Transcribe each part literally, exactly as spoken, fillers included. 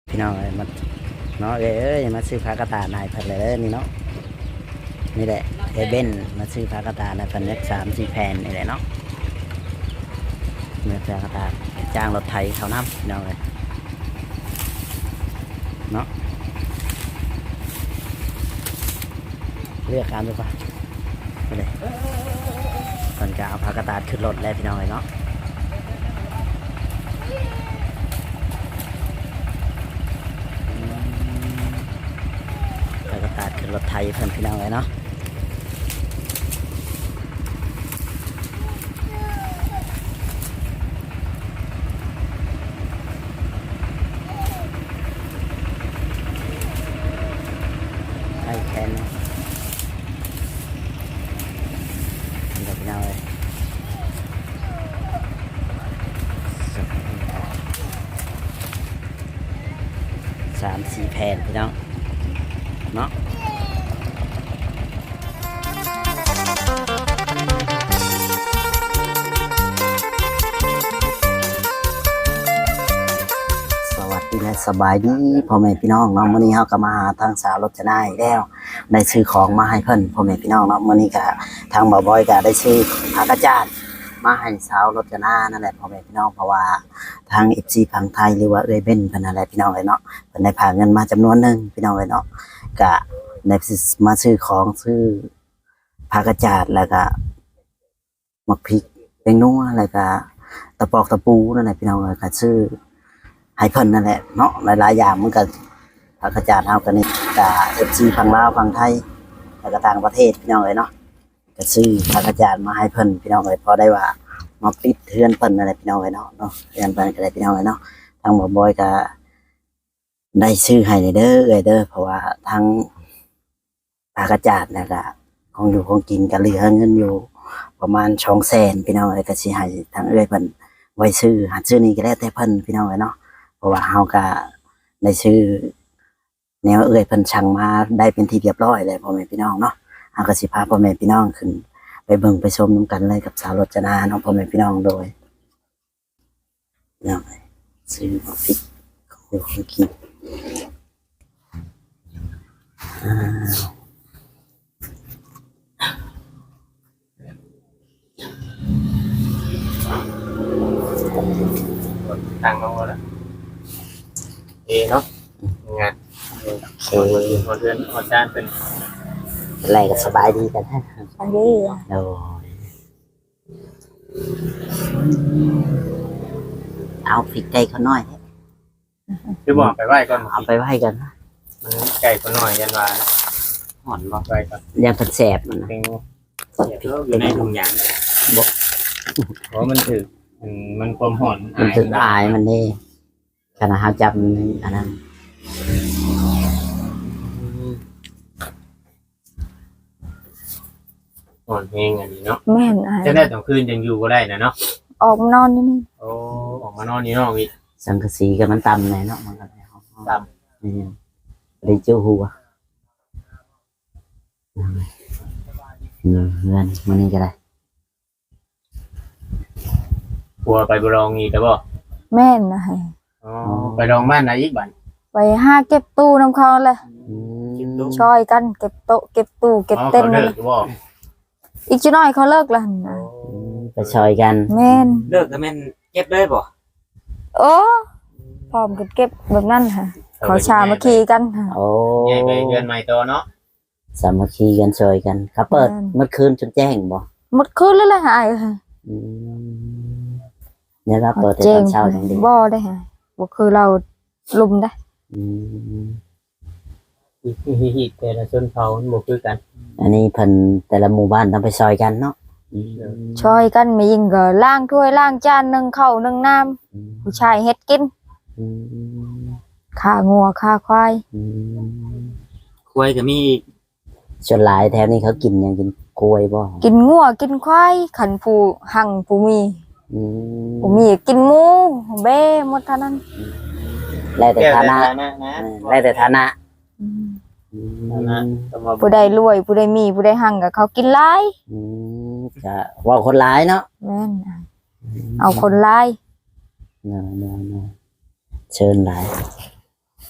พี่น้องเอ้ยมาเนาะเอ้ยเอ้ยมาซื้อผ้ากระตายนายเพิ่นเลยเด้อนี่เนาะนี่แหละเอเบนมาซื้อผ้ากระตายนายเพิ่นเล็กสามสี่แผ่นนี่แหละเนาะเมื่อผ้ากระตายจ้างรถไถเขาน้ำพี่น้องเลยเนาะเลือกการดูป่ะไปเลยก่อนจะเอาผ้ากระตายขึ้นรถแล้วพี่น้องเลยเนาะผ้ากระตายขึ้นรถไถเพิ่นพี่น้องเลยเนาะไอ้แคนเนาะพี่น้องเลยสามสี่แผ่นพี่น้องเนาะสวัสดีและสบายดีพ่อแม่พี่น้องเนาะมื้อนี้เฮาก็มาหาทางสาวรจนาอีกแล้วได้ซื้อของมาให้เพิ่นพ่อแม่พี่น้องเนาะมื้อนี้ก็ทางบ่าวบอยก็ได้ซื้อผักกระจาดมาให้สาวรจนานั่นแหละพ่อแม่พี่น้องเพราะว่าทาง เอฟ ซี ฝั่งไทยหรือว่าเอ้ยเบ้นเพิ่นนั่นแหละพี่น้องเอ้ยเนาะเพิ่นได้พาเงินมาจำนวนหนึงพี่น้องเอ้ยเนาะก็ได้มาซื้อของซื้อผักกระจาดแล้วก็หมักพริกเป็นนัวแล้วก็ตะปอกตะปูนั่นแหละพี่น้องเอ้ยก็ซื้อให้เพิ่นนั่นแหละเนาะหลายๆอย่างมันก็ผักกระจาดเฮากันนี่ก็ เอฟ ซี ฝั่งลาวฝั่งไทยแล้วก็ต่างประเทศพี่น้องเอ้ยเนาะก็ซื้อผักกระจาดมาให้เพิ่นพี่น้องเอ้ยพอได้ว่ามาปิดเทือนเพิ่นนั่นแหละพี่น้องเอ้ยเนาะเนาะเทือนเพิ่นก็ได้พี่น้องเอ้ยเนาะทางบ่บอยก็ได้ซื้อให้เด้อเอ้ยเด้อเพราะว่าทางผักกระจาดแล้วก็ของอยู่ของกินก็เหลือเงินอยู่ประมาณสองแสนพี่น้องเอ้ยก็สิให้ทางเอ้ยเพิ่นไว้ซื้อหาซื้อนี่ก็แล้วแต่เพิ่นพี่น้องเอ้ยเนาะเพราะว่าเฮาก็ได้ซื้อแนวเอ้ยเพิ่นสั่งมาได้เป็นที่เรียบร้อยเลยพ่อแม่พี่น้องเนาะเฮาก็สิพาพ่อแม่พี่น้องขึ้นไปเบิ่งไปชมนํกันเลยกับสาวรจนาเนาะพ่อแม่พี่น้องโดยเนาะซื้อมาพริกของอยู่ของกินอ่าตั้งเอาละเอเนาะงานโอหัวเคหัวเรือนหัวจานเป็นอะไรก็สบายดีกันฮะอันนี้อ่ะโอ้ยเอาพริกไก่เขาหน่อยคือบอกไปไหว้ก่อนเอาไปไว้กันนะมันไก่คนหน่อยยันวาห่อนบ่ไว้ก่อนยาผัดแสบมันนะเป็นอยู่ในถุงยางบอกเพราะมันถือมันความห่อนมันถึงอายมันนี่ขณะเขาจับมันอันนั้นห่อนเพลงอันนี้เนาะแม่นอ่ะจะได้ต่างคืนยังอยู่ก็ได้นะเนาะออกมานอนนี่นี่โอ้ออกมานอนนี่นอกอีกสังกะสีกับมันตำเลยเนาะมันก็ตนี่รีเจ้าหัวเงินมันนี่ก็ได้กลัวไปบรองอีกแต่บ่แม่นอ่ะอ๋อไปลองบ้านไหนอีกบ้านไปห้าเก็บตู้น้ำเขาเลยอืมช่อยกันเก็บโต๊ะเก็บตู้เก็บเต็นท์เลเลยยบ่อีกจุดน้อยเขาเลิกแล้วนะไปซอยกันแม่นเลิกก็แม่นเก็บเลยบ่โอ้พร้อมกันเก็บแบบนั้นค่ะเขาชามาขี่กันค่ะโอ้ใหญ่ไปเดือนใหม่ตัวเนาะสามัคคีกันซอยกันครับเปิดเมื่อคืนจนแจ้งบ่หมดคืนเลยแหละหายค่ะอืมเนี่ยเราเปิดแต่ตอนเช้าอย่างเดียวบ่ได้ค่ะบ่คือเราลุมได้อืมฮิตแต่ละชนเผ่ามันบ่คือกันอันนี้เพิ่นแต่ละหมู่บ้านต้องไปซอยกันเนาะอืมช่อยกันไม่ยิงก็ล้างถ้วยล้างจานนึ่งข้าวนึ่งน้ำผู้ชายเฮ็ดกินอืมฆ่างัวฆ่าควายอืมควายก็มีส่วนหลายแถวนี้เขากินหยังกินกล้วยบ่กินงัวกินควายขันผู้หังผู้มีอืมผู้มีกินหมูเบ้หมดเท่านั้นแล้วแต่ฐานะนะนะเออแล้วแต่ฐานะอืมอืนะมผู้ใดรวยผู้ใดมีผู้ใดหังก็เขากินหลายอืมก็เว่าคนหลายเนาะแม่นเอาคนหลายเนาะเนาะเนาะเชิญหลาย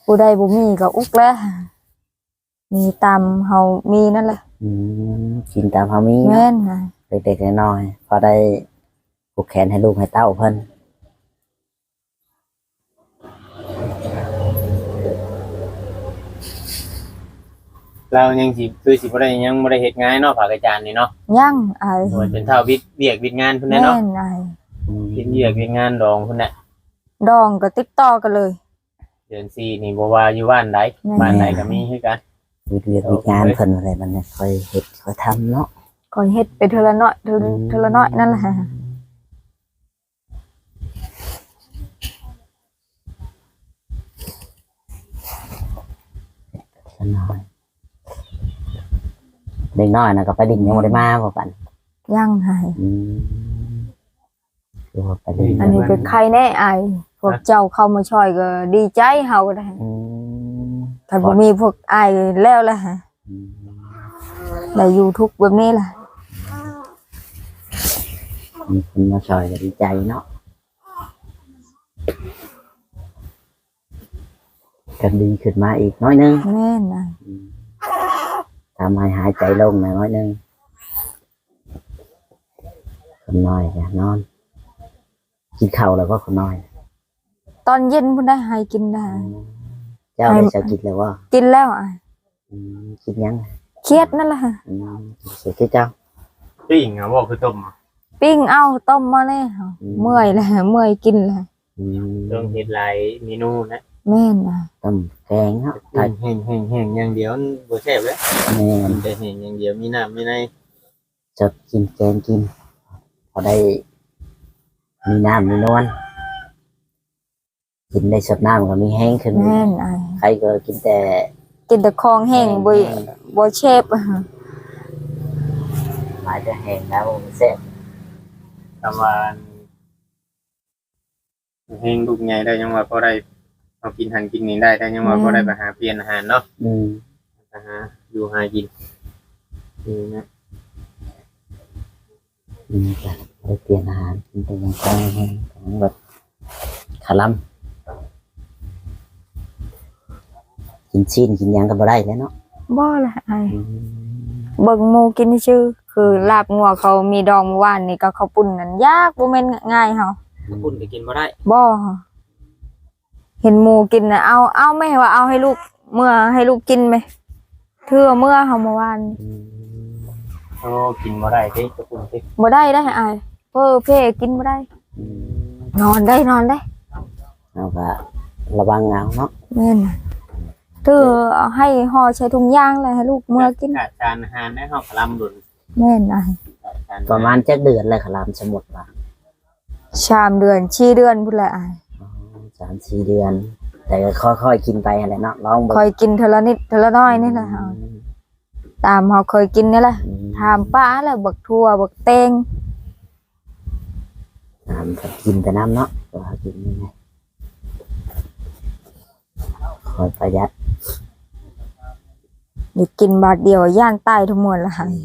ผู้ใดบ่มีก็อุกแล้วมีตามเฮามีนั่นแหละอืมกินตามเฮามีแม่เนาะนน่ะเด็กๆน้อยๆพอได้ผูกแขนให้ลูกให้เต้าเพิ่นเรายังสิคือสิบ่ได้ยังบ่ได้เฮ็ดงานเนาะภาคอาจารย์นี่เนาะยังอายโดยเป็นเท่าวิทย์เวียกวิทย์งานพุ่นแม่น่ะเนาะนอายอืมวิทย์เวียกวิทย์งานดองพุ่นน่ะดองก็ติดต่อกันเลยเดือนสี่นี่บ่ว่าอยู่บ้านใดบ้านใดก็มีคือกันวิทย์เวียกวิทย์งานเพิ่นอะไรมันเนี่ยค่อยเฮ็ดค่อยทำเนาะก็เฮ็ดไปเทอละน้อยเทอละเทอละน้อยนั่นแหละซะหน่อยเด็กน้อยน่ะก็ไปดิ่งยังบ่ได้มาบ่ปันยังหายอืมคือว่าไปดิ่งอันนี้เป็นใครแน่อายพวกเจ้าเข้ามาช่วยก็ดีใจเฮาก็ได้อืมถ้าบ่มีพวกอายแล้วล่ะอืมได้อยู่ทุกข์แบบนี้ล่ะมีคนมาช่วยก็ดีใจเนาะกันดีขึ้นมาอีกน้อยหนึงแม่นอายทำให้หายใจลงหน่อยน้อยหนึงคนน้อยจะนอน กินข้าวแล้วก็คนน้อยตอนเย็นพุ่นได้ให้กินได้เจ้าได้จะกินแล้วว่ากินแล้วอายกินยังเครียดนั่นแหละอืมเสียคือเจ้าปิ้งอ่ะบ่คือต้มอ่ะปิ้งเอาต้มมาเลยเมื่อยแล้วเมื่อยกินแล้วอืมต้องเฮ็ดหลายเมนูนะแม่นอายต้มแกงเนาะแห้งแห้งแห้งแห้งอย่างเดียวมันบ่แซ่บเลยแม่นแต่แห้งอย่างเดียวมีน้ำมีในจะกินแกงกิน พอได้ มีน้ำมีนวลกินได้สดน้ำก็มีแห้งขึ้นแม่นอายใครก็กินแต่กินแต่ของแห้งบ่บ่เชฟหมายจะแห้งแล้วเสร็จคำว่าแห้งลูกใหญ่ได้ยังว่าพอได้เอากินหันกินนี่ได้แต่ยังว่าพอได้ไปหาเปลี่ยนอาหารเนาะอืมไปหาอยู่หากินนี่นะอืมจะไปเปลี่ยนอาหารกินแต่อยังไงของแบบขลัมกินชิ้นกินหยังก็บ่ได้แล้วเนาะบ่ล่ะอายอืมเบิ่งหมูกินชื่อคือลาบงัวเขามีดองเมื่อวานนี่ก็ข้าวปุ้นนั่นยากบ่แม่นง่ายเฮาปุ่นก็กินบ่ได้บ่เห็นหมูกินน่ะเอาเอาไหม่ว่าเอาให้ลูกเมื่อให้ลูกกินไหมเทื่อเมื่อเฮาเมื่อวานอืมโอ้กินบ่ได้สิกระปุ่นสิบ่ได้ได้อายเพ้อเพ่กินบ่ได้อืมนอนได้นอนได้เอาก็ระวังเอาเนาะแม่นเทื่อเอาให้ห่อใช้ถุงยางเลยให้ลูกเมื่อกินขาดการอาหารได้เฮาคลำดุนแม่นอายประมาณจักเดือนเลยขลามสมุดว่าชามเดือนชีเดือนพุ่นแหละอายอ๋อสามสี่เดือน แต่ก็ค่อยๆกินไปอะไรเนาะลองเบิ่งคอยกินเทอละนิดเทอละน้อยนี่แหละเฮาตามเฮาเคยกินนี่แหละอืมถามป้าแหละบักทั่วบักเตงน้ำก็กินแต่น้ำเนาะก็หากินยังไงคอยประหยัดได้กินบาทเดียวย่านตายทั้งหมดละหาย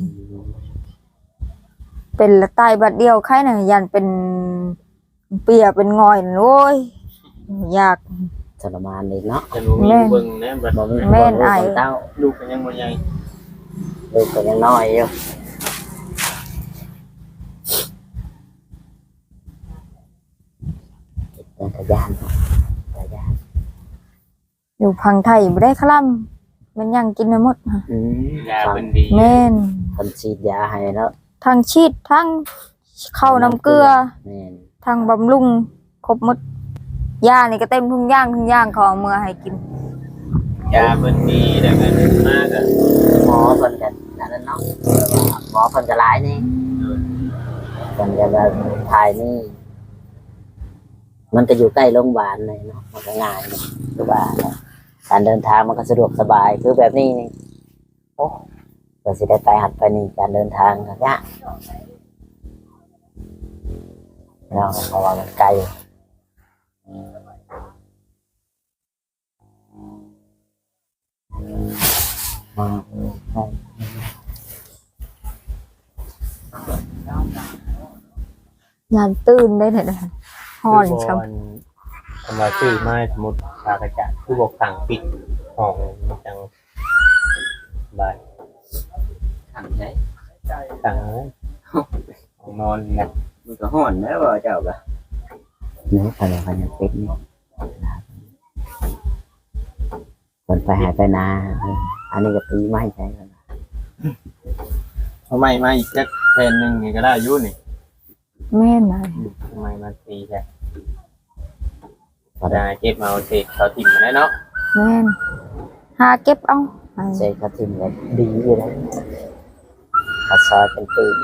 เป็นละตายบาทเดียวใครน่ะย่านเป็นเปียเป็นงอยน่ะโอ้ยอยากทรมานเลยเนาะจะรู้มีผู้เบิ่งนะบัดบ่มีแม่นบ่อ้ายมีเต้าลูกก็ยังบ่ใหญ่ลูกก็ยังน้อยอยู่เป็นขยันขยันอยู่พังไทยบ่ได้คล่ำมันยังกินไม่หมดค่ะอืมยาเพิ่นดีแม่นคนฉีดยาให้แล้วทั้งชีดทั้งเข้าน้ำเกลือแม่นทั้งบำรุงครบหมดยานี่ก็เต็มทุ่งย่างทุ่งย่างเขาเอามื่อให้กินยาเพิ่นดีแล้วก็มากอ่ะหมอเพิ่นกันนั่นแหละเนาะหมอเพิ่นก็หลายนี่เพิ่นก็แบบถ่ายนี่ มันก็อยู่ใกล้โรงพยาบาลเลยเนาะมันก็ง่ายเนาะคือว่าการเดินทางมันก็สะดวกสบายคือแบบนี้นี่โอ้ก็สิได้ไปหัดไปนี่การเดินทางก็ยากเนาะเพราะว่ามันไกลอืมใช่ยานตื่นได้เนี่ยนะฮอนคือครับบ่ทำมาชื่อไม้สมุดปากระจาดคือบอกสั่งปิดห้องมันจังบายทำใช้สั่งเลยห้องนอนนะมันก็ห่อนแล้วว่าเจ้าก็เนื้ออะไรกันยังเป็นนี่คนไปหายไปนาอันนี้ก็ตีไม่ใช่กันทำไมมาอีกสักแผ่นหนึ่งนี่ก็ได้อยุ่นี่แม่นายทำไมมาตีแค่ได้เก็บมาเอาเศษเขาถิ่มมาได้เนาะแม่นหาเก็บเอาให้ใช่เขาทิมก็ดีอยู่แล้วเขาซอยเป็นปีน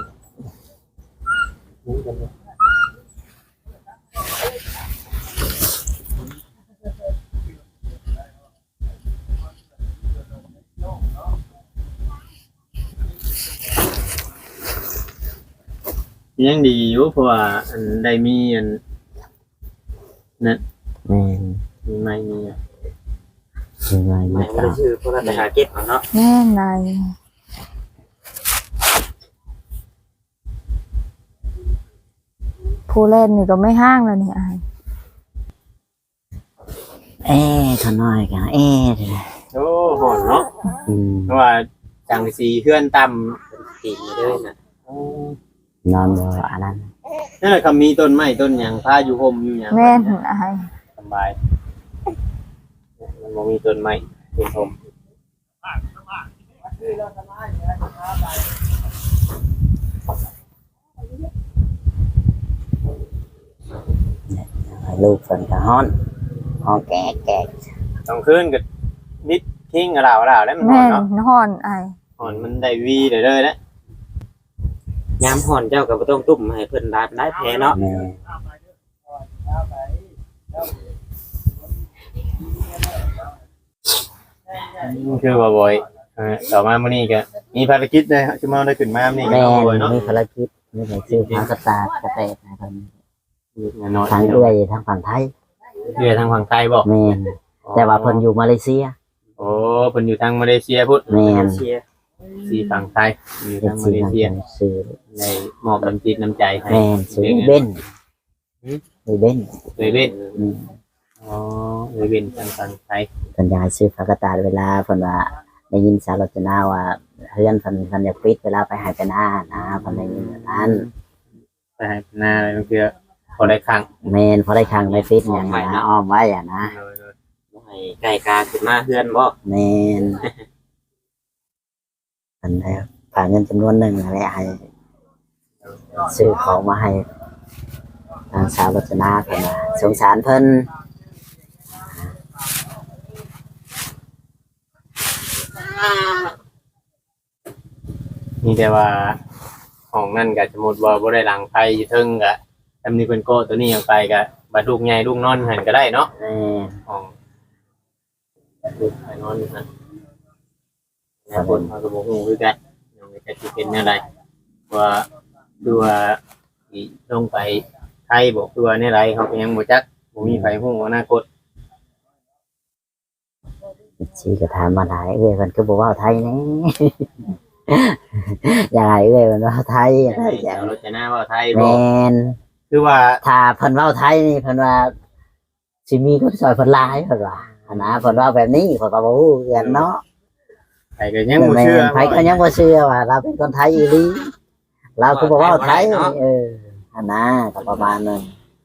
ยังดีอยู่เพราะว่าอันได้มีอันนั่นแม่นมีไม้มีอ่ะยังไงไม่ไม่ได้ตามชื่อเพราะเราไปหาเก็บเอาเนาะแม่นายผู้เล่นนี่ก็ไม่ห้างแล้วนี่อายเอ๊ะเขาน้อยกันเอ๊ะโอ้หอนเนาะอืมเพราะว่าจังสีเพื่อนต่ำตีมาเลยนะนอนบ่อันนั้นนั่นแหละครับมีต้นไม้ต้นหยังพาอยู่ห่มอยู่หยังแม่นอายสบายมันบ่มีต้นไม้เป็นห่มลูกฝนก็ฮ้อนฮ้อนแก่แก่ต้องคืนกับนิดทิ้งกับเราเราแล้วมันหอแม่นนเนาะฮ้อนอายหอนมันได้วีเลยเลยนะยามห่อนเจ้าก็บ่ต้องตุ้มให้เพิ่นได้ได้แพ้เนาะแม่คือว่าบ่อยเออต่อมามื้อนี้ก็มีภารกิจเลยชั่วโมงได้ขึ้นมามื้อนี้ก็แม่เอาบ่อยเนาะมีภารกิจมีหนังสือพากระตากระเตะให้เพิ่นน้อยทางเอื้อยทางฝั่งไทยเรือทางฝั่งไทยบ่แม่นแต่ว่าเพิ่นอยู่มาเลเซียโอ้เพิ่นอยู่ทางมาเลเซียพุทธแม่นเชียร์สีฝั่งไทยอยู่เป็นทางมาสิ่งเลทางเซียซื้อในมอบน้ำจิตน้ำใจให้แม่นซื้อเบนซื้อเบนเลยเว้นอืมอ๋อเลยเว้นทางฝั่งไทยเพิ่นอยากให้ซื้อพากระตากเวลาเพิ่นว่าได้ยินสาวรจนาว่าเฮือนเพิ่นเพิ่นอยากปิดเวลาไปหายไปหน้านะเพิ่นได้ยินแบบนั้นไปให้หน้าอะไรมันคือพอได้ครั้งแม่นพอได้ครั้งได้ฟิตอย่างนะอ้อมไว้อ่ะนะบ่ให้ไก่กาขึ้นมาเฮือนบ่แม่นเพิ่นได้ฝากเงินจำนวนหนึ่งนั่นแหละให้ซื้อของมาให้ทางสาวรจนาเพิ่นว่าสงสารเพิ่นมีแต่ว่าของนั่นก็สมมุติว่าบ่ได้หลังไฟอยู่เทิงก็ทำนี่เพิ่นโก้ตัวนี้ยังไปก็บัดลูกใหญ่ลูกนอนหันก็ได้เนาะแม่นของลูกไปนอนหันแล้วคนเขาก็บ่ฮู้คือกันยังไม่จะสิเป็นแนวใดว่าดูว่าสิลงไปไทยบ่คือว่าแนวใดเขาก็ยังบ่จักบ่มีไผฮู้อนาคตชีก็ถามมาหลายเอ้ยเพิ่นก็บ่เว้าไทยแน่ อยากให้เอ้ยเพิ่นเว้าไทยอยากให้อยากเอารถจะหน้าว่าไทยบ่แม่นคือว่าถ้าเพิ่นเว้าไทยนี่เพิ่นว่าสิมีคนซอยเพิ่นหลายเพิ่นว่าอันนะเพิ่นเว้าแบบนี้เพิ่นก็บ่ฮู้กันเนาะไผก็ยังบ่เชื่อไผก็ยังบ่เชื่อว่าเราเป็นคนไทยอีหลีเราก็บ่เว้าไทยเอออันนะก็ประมาณนั้น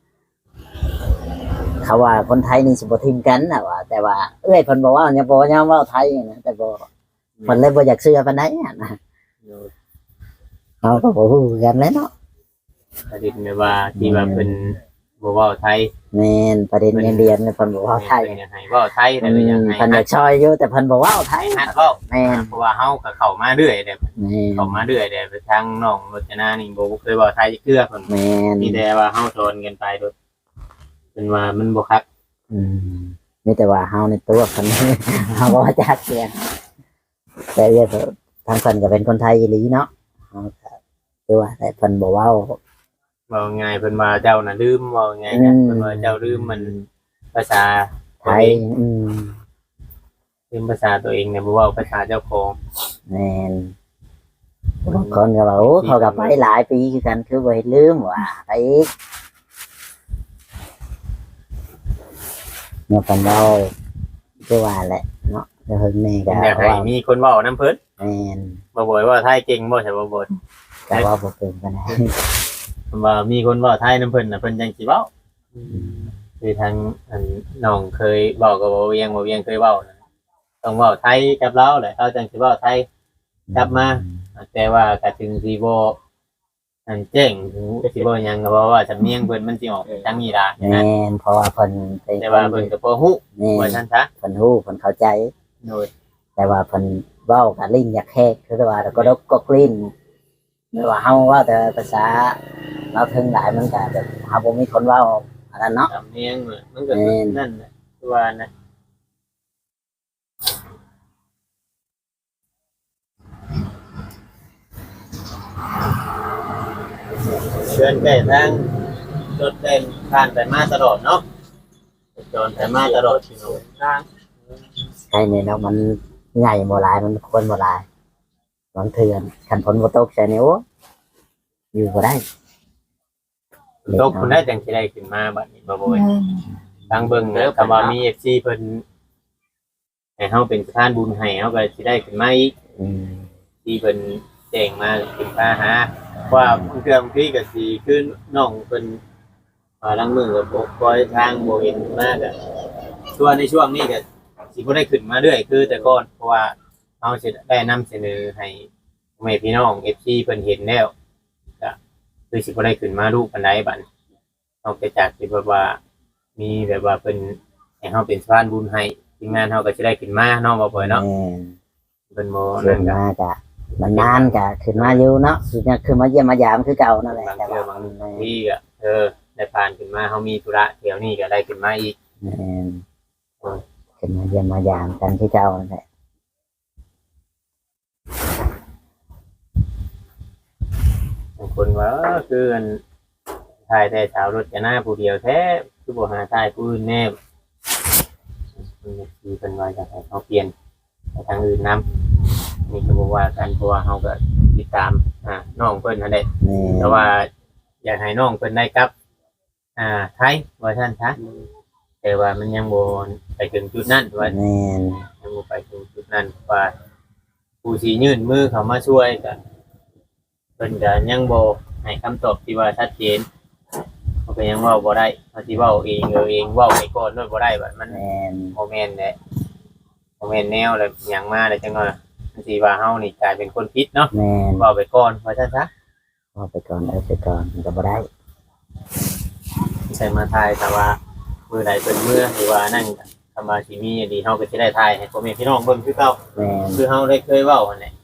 เขาว่าคนไทยนี่สิบ่ทิมกันน่ะว่าแต่ว่าเอ้ยเพิ่นบอกว่ายังบ่ยอมเว้าไทยนะแต่บ่เพิ่นเลยบ่อยากเชื่อปานใดอะนะเราก็บ่ฮู้กันเลยเนาะประเด็นแบบว่าที่ว่าเป็นบ่เว้าไทยแม่นประเด็นเงินเดือนเนี่ยเพิ่นบ่เว้าไทยเพิ่นอยากให้เว้าไทยแต่อืก็อยากมให้เพิ่นอยากช่วยอยู่แต่เพิ่นบ่เว้าไทยให้ฮัดเว้าแม่นเพราะว่าเฮาก็เข้ามาเรื่อยเด้แม่นเข้ามาเรื่อยเด้ไปทางน้องรจนานี่บ่เคยเว้าไทยจักเทื่อเพิ่นแม่นมีแต่ว่าเฮาสอนกันไปโดยเป็นว่ามันบ่คักอืมมีแต่ว่าเฮาในตัวเพิ่น เฮาบ่ว่าจักเสียงแต่เรื่องทางเพิ่นก็เป็นคนไทยอีหลีเนาะเฮาก็คือว่าแต่เพิ่นบ่เว้าเว้าง่ายเพิ่นว่าเจ้าน่ะลืมเว้าง่ายอืนะมเพิ่นว่าเจ้าลืมมันภาษาไทยอืมลืมภาษาตัวเองเนี่ยบ่เว้าภาษาเจ้าของแม่นบางคนก็ว่าโอ้เขาก็ไปหลายปีคือกันคือบ่เห็นลืมว่าไปอีกเมื่อปันเราก็ว่าแหละเนาะจะเฮิงแม่ก็อยากให้ว่ามีคนเว้านํเพิ่นแม่นบ่บ่อยว่าไทยเก่งบ่ใช่บ่บ่อยแต่ว่าบ่เป็นปานใดว่ามีคนเว้าไทยนํเพิ่นน่ะเพิ่นจังสิเว้าคือทางอันน้องเคยเว้ากับบ่เวียงบ่เวียงเคยเว้านะต้องเว้าไทยกับเราแหละเขาจังสิเว้าไทยกลับมา แต่ว่าก็ถึงสิบ่อันเจ๋งถึงสิบ่หยังก็เพราะว่าสำเนียงเพิ่นมันสิออกทางนี้ล่ะแม่นเพราะว่าเพิ่นเป็นแต่ว่าเพิ่นก็บ่ฮู้แม่ว่าน ซั่นซะเพิ่นฮู้เพิ่นเข้าใจโดยแต่ว่าเพิ่นเว้ากับลิ้นอยากแหกคือว่าแล้วก็ดกก็กลิ้นหรือว่าเฮาเว้าแต่ภาษาเราถึงหลายมันก็แบบเฮาบ่มีคนเว้าอันนั้นเนาะสำเนียงมันก็แม่นนั่นน่ะคือว่านะเดินไปทางรถเดินผ่านไปมาตลอดเนาะจนไปมาตลอดพี่น้องทางใช่เนี่ยเนาะมันใหญ่บ่หลายมันคนบ่หลายมันเถื่อนคันฝนบ่ตกใช่นี่โอ้อยู่บ่ได้ตกคุณได้จังสิได้ขึ้นมาบัดนี้บ่บ่อยแม่นทางเบิ่งนะคำว่ามี เอฟ ซี เพิ่นให้เฮาเป็นสถานบุญให้เฮาก็สิได้ขึ้นมาอีกอืมที่เพิ่นแจ้งมาขึ้นมาหาว่าเรื่องที่ก็สิคือน้องเพิ่นอ่าลังมือก็บ่ปล่อยทางบ่เห็นมาก็ส่วนในช่วงนี้ก็สิบ่ได้ขึ้นมาเรื่อยคือแต่ก่อนเพราะว่าเฮาสิได้นำเสนอให้พ่อแม่พี่น้อง เอฟ ซี เพิ่นเห็นแล้วก็คือสิบ่ได้ขึ้นมารูปปานใดบัดนอกจากที่แบบว่ามีแบบว่าเพิ่นให้เฮาเป็นสะพานบุญให้ทีมงานเฮาก็สิได้ขึ้นมาเนาะบ่บ่อยเนาะแม่นเพิ่นบ่ขึ้นั่นนก็มาก็มันนานก็ขึ้นมาอยู่เนาะคือจะขึ้นมาเยี่ยมมายามคือเก่านั่นแหละบางแต่เทื่ว่าอบางแม่นที่ก็เออได้ผ่านขึ้นมาเฮามีธุระแถวนี้ก็ได้ขึ้นมาอีกแม่นขึ้นมาเยี่ยมมายามกันคือเก่านั่นแหละบางคนว่าเออคืออันถ่ายแต่สาวรถจะหน้าผู้เดียวแท้คือบ่หาถ่ายผู้อื่นแน่เพิ่นก็คือเพิ่นว่าอยากให้เฮาเปลี่ยนไปทางอื่นนํนี่ก็บ่ว่ากันเพราะว่าเฮาก็ติดตามอ่าน้องเพิ่นนั่นแหละแม่นแต่ว่าอยากให้น้องเพิ่นได้กลับ อ่าไทยว่าซั่นซะแต่ว่ามันยังบ่ไปถึงจุดนั้นว่าแม่นยังบ่ไปถึงจุดนั้นว่าผู้สิยื่นมือเข้ามาช่วยก็เพิ่นก็ยังบ่ให้คำตอบที่ว่าชัดเจนเขาก็ยังเว้าบ่ได้เขาสิเว้าเองเออเองเว้าไปก่อนนั่นบ่ได้บัดมันแม่นบ่แม่นแหละบ่แม่นแนวแล้วหยังมาแล้วจังว่ามันสิว่าเฮานี่กลายเป็นคนผิดเนาะแม่นเว้าไปก่อนว่าซั่นซะเอาไปก่อนเอาไปก่อนมันก็บ่ได้ใช่มาถ่ายแต่ว่ามื้อใดเป็นมื้อหรือว่านั่นก็คำว่าสิมีอันดีเฮาก็สิได้ถ่ายให้พ่อแม่พี่น้องเบิ่งคือเก่าแม่นคือเฮาได้เคยเว้าหั่นแหละ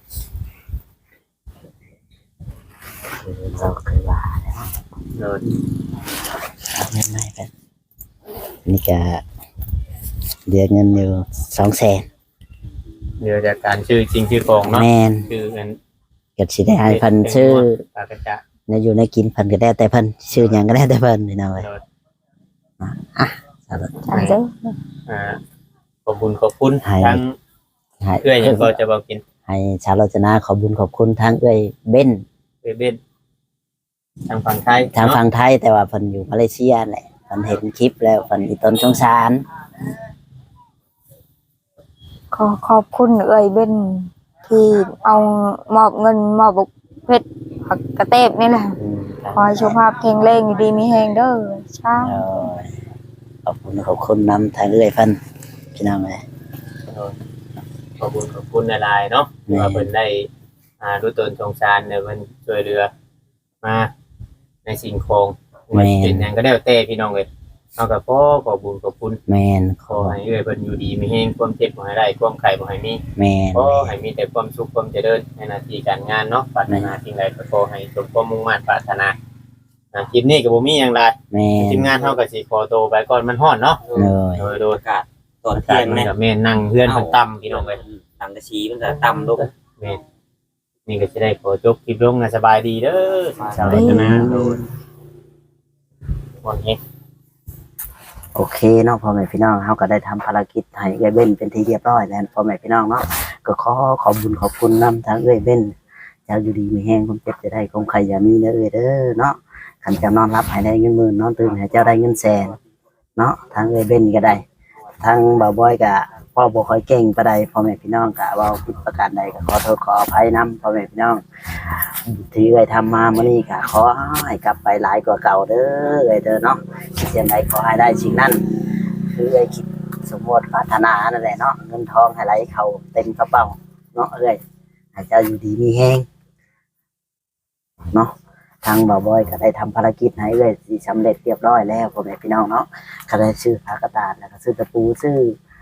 คือเราเคยว่าแล้วเนาะเอาเงินมาให้กันนี่ก็เดือนเงินอยู่สองแสนเดี๋ยวจากการชื่อจริงชื่อของเนาะแม่นชื่ออันก็สิได้ให้เพิ่นชื่อปากกระจะในอยู่ในกินเพิ่นก็ได้แต่เพิ่นชื่อหยังก็ได้แต่เพิ่นนี่นะเว้ยเนาะสาธุอันเด้ออ่าขอบคุณขอบคุณให้ทั้งให้เพื่อนยังก็จะบอกกินให้ชาวโรจนาขอบคุญขอบคุณทั้งเอ้ยเบ้นเบเบ็ดทางฝั่งไทยทางเนาะฝั่งไทยแต่ว่าเพิ่นอยู่มาเลเซียแหละเพิ่นเห็นคลิปแล้วเพิ่นอีตนสงสารขอขอบคุณเอ่ยเบ้นที่เอามอบเงินมอบบุกเพชรผักกระเตบนี่แหละอืมขอให้สุขภาพแข็งแรงอยู่ดีมีแฮงเด้อช้าเอาขอบคุณขอบคุณนำทางเอ้ยเพิ่นพี่น้องเอ้ยขอบคุณขอบคุณหลายๆเนาะแม่ว่าเพิ่นได้อ่ารู้ตนสงสารเนี่ยมันช่วยเหลือมาในสิ่งของมันเป็นหยังก็ได้แต่พี่น้องเอ้ยเฮาก็ขอขอบคุณขอบคุณแม่นขอให้เอ้ยเพิ่นอยู่ดีมีแฮงความเจ็บบ่ให้ได้ความไข้บ่ให้มีแม่นขอให้มีแต่ความสุขความเจริญในหน้าที่การงานเนาะปรารถนาสิ่งใดก็ขอให้สมความมุ่งมั่นปรารถนาอ่าคลิปนี้ก็บ่มีหยังหลายแม่นทีมงานเฮาก็สิขอตัวไปก่อนมันร้อนเนาะเลยโดยโดยอากาศตอนอาเที่กาย ศงมันเนี่ยก็แม่นนั่งเฮือนมันต่ำพี่น้องเอ้ยสังกะสีมันจะต่ำลงแม่นนี่ก็สิได้ขอจบคลิปลงนะสบายดีเด้อสาวรจนาโดยวันนี้โอเคเนาะพ่อแม่พี่น้องเฮาก็ได้ทำภารกิจให้เอ้ยเบ้นเป็นที่เรียบร้อยแล้วพ่อแม่พี่น้องเนาะก็ขอขอบคุญขอบคุณนำทางเอ้ยเบ้นเจ้าอยู่ดีมีแฮงความเจ็บจะได้คงใครอย่ามีเด้อเอ้ยเด้อเนาะคันเจ้านอนรับให้ได้เงินหมื่นนอนตื่นให้เจ้าได้เงินแสนเนาะทางเอยเบนก็ได้ทางบ่าวบอยก็พ่อบ่ค่อยเก่งปานใดพ่อแม่พี่น้องก็เว้าผิดประการใดก็ขอโทษขออภัยนํพ่อแม่พี่น้องที่เอ้ยทำมามื้อนี้ก็ขอให้กลับไปหลายกว่าเก่าเด้อเอ้ยเด้อเนาะคิดจังไดขอให้ได้สิ่งนั้นคือเอ้ยคิดสมมติปรารถนานั่นแหละเนาะเงินทองให้ไหลเข้าเต็มกระเป๋าเนาะเอ้ยให้เจ้าอยู่ดีมีแฮงเนาะทางบ่าวบอยก็ได้ทำภารกิจให้เอ้ยสิสำเร็จเรียบร้อยแล้วพ่อแม่พี่น้องเนาะก็ได้ซื้อผ้ากระดาษแล้วก็ซื้อตะปูซื้อ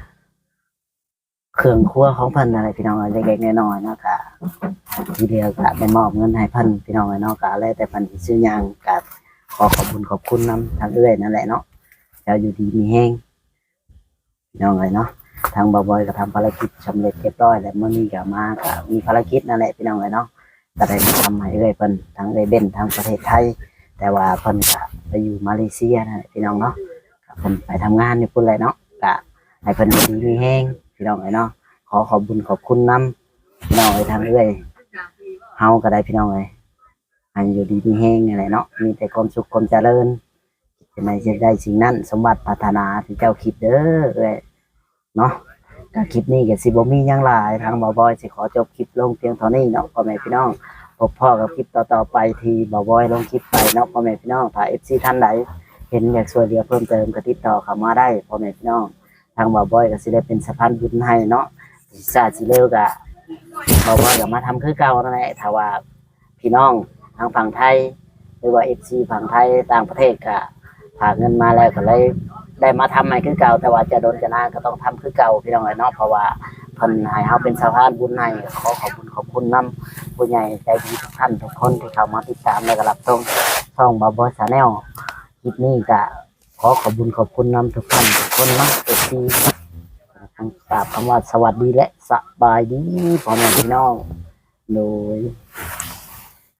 เครื่องครัวของเพิ่นอะไรพี่น้องเล็กๆน้อยๆเนาะก็ทีเดียวก็ได้มอบเงินให้เพิ่นพี่น้องเนาะก็แล้วแต่เพิ่นสิซื้อหยังก็ขอขอบคุณขอบคุณนํทางเอ้ยนั่นแหละเนาะเจ้าอยู่ดีมีแฮงพี่น้องเนาะทางบ่าวบอยก็ทำภารกิจสำเร็จเรียบร้อยแล้วมื้อนี้ก็มาก็มีภารกิจนั่นแหละพี่น้องเนาะก็ได้มาทำให้เอ้ยเพิ่นทั้งเอ้ยเบ้นทั้งประเทศไทยแต่ว่าเพิ่นก็ไปอยู่มาเลเซียนั่นแหละพี่น้องเนาะก็เพิ่นไปทำงานอยู่พุ่นเลยเนาะก็ให้เพิ่นอยู่ดีมีแฮงพี่น้องเนาะขอขอบคุณขอบคุณนํพี่น้องเอ้ยทางเอ้ยเฮาก็ได้พี่น้องเอ้ยให้อยู่ดีมีแฮงนี่แหละเนาะมีแต่ความสุขความเจริญจะไม่จะได้สิ่งนั้นสมบัติปรารถนาที่เจ้าคิดเด้อเอ้ยเนาะก็คลิปนี้ก็สิบ่มีหยังหลายทางบ่าวบอยสิขอจบคลิปลงเพียงเท่านี้เนาะพ่อแม่พี่น้องพบพ่อกับคลิปต่อๆไปที่บ่าวบอยลงคลิปไปเนาะพ่อแม่พี่น้องถ้า เอฟ ซี ท่านใดเห็นอยากช่วยเหลือเพิ่มเติมก็ติดต่อเข้ามาได้พ่อแม่พี่น้องทางบ่าวบอยก็สิได้เป็นสะพานบุญให้เนาะซาสิเร็วก็บ่าวบอยก็มาทำคือเก่านั่นแหละถ้าว่าพี่น้องทางฝั่งไทยหรือว่า เอฟ ซี ฝั่งไทยต่างประเทศก็ฝากเงินมาแล้วก็เลยได้มาทำใหม่คือเก่าแต่ว่าจะโดนจะนานก็ต้องทำคือเก่าพี่น้องเนาะเพราะว่าเพิ่นให้เฮาเป็นสะพานบุญให้ขอขอบคุณขอบคุณนํผู้ใหญ่ใจดีทุกท่านทุกคนที่เข้ามาติดตามและก็รับชมช่องบ่าวบอยชาแนลคลิปนี้ก็ขอขอบคุณขอบคุณนํทุกท่านทุกคนเนาะเอฟซีทั้งกราบคำว่าสวัสดีและสบายดีพ่อแม่พี่น้องโดย